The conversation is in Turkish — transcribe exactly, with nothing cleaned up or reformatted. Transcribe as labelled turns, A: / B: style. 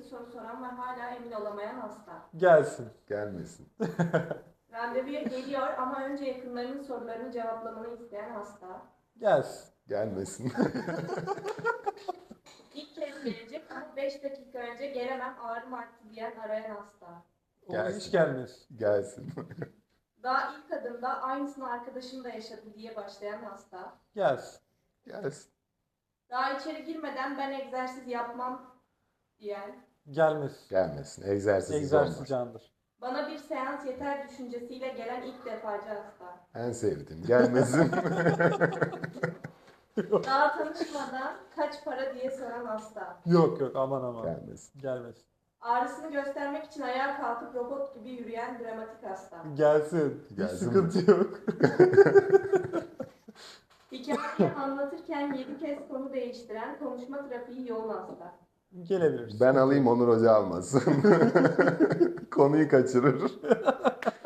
A: soru soran ve hala emin olamayan hasta.
B: Gelsin.
C: Gelmesin.
A: Randevuya geliyor ama önce yakınlarının sorularını cevaplamanı isteyen hasta.
B: Gelsin.
C: Gelmesin.
A: İlk kez gelecek ama beş dakika önce gelemem ağrım arttı diyen arayan hasta.
B: O
C: Gelsin.
B: hiç gelmesin.
C: Gelsin.
A: Daha ilk adımda aynısını arkadaşım da yaşadı diye başlayan hasta.
B: Gelsin.
C: Gelsin.
A: Daha içeri girmeden ben egzersiz yapmam diyen.
B: Gelmesin.
C: Gelmesin. Egzersiz
B: Egzersiz
C: olmaz.
B: candır.
A: Bana bir seans yeter düşüncesiyle gelen ilk defacı hasta.
C: En sevdiğim. Gelmesin.
A: Daha tanışmadan kaç para diye soran hasta.
B: Yok yok aman aman.
C: Gelmesin.
B: Gelmesin.
A: Ağrısını göstermek için ayağa kalkıp robot gibi yürüyen dramatik hasta.
B: Gelsin. Hiç
C: Gelsin.
B: sıkıntı yok.
A: Hikayeyi anlatırken yedi kez konu değiştiren, konuşma trafiği yoğun hasta.
B: Gelebilirsin.
C: Ben alayım, Onur Hoca almasın. Konuyu kaçırır.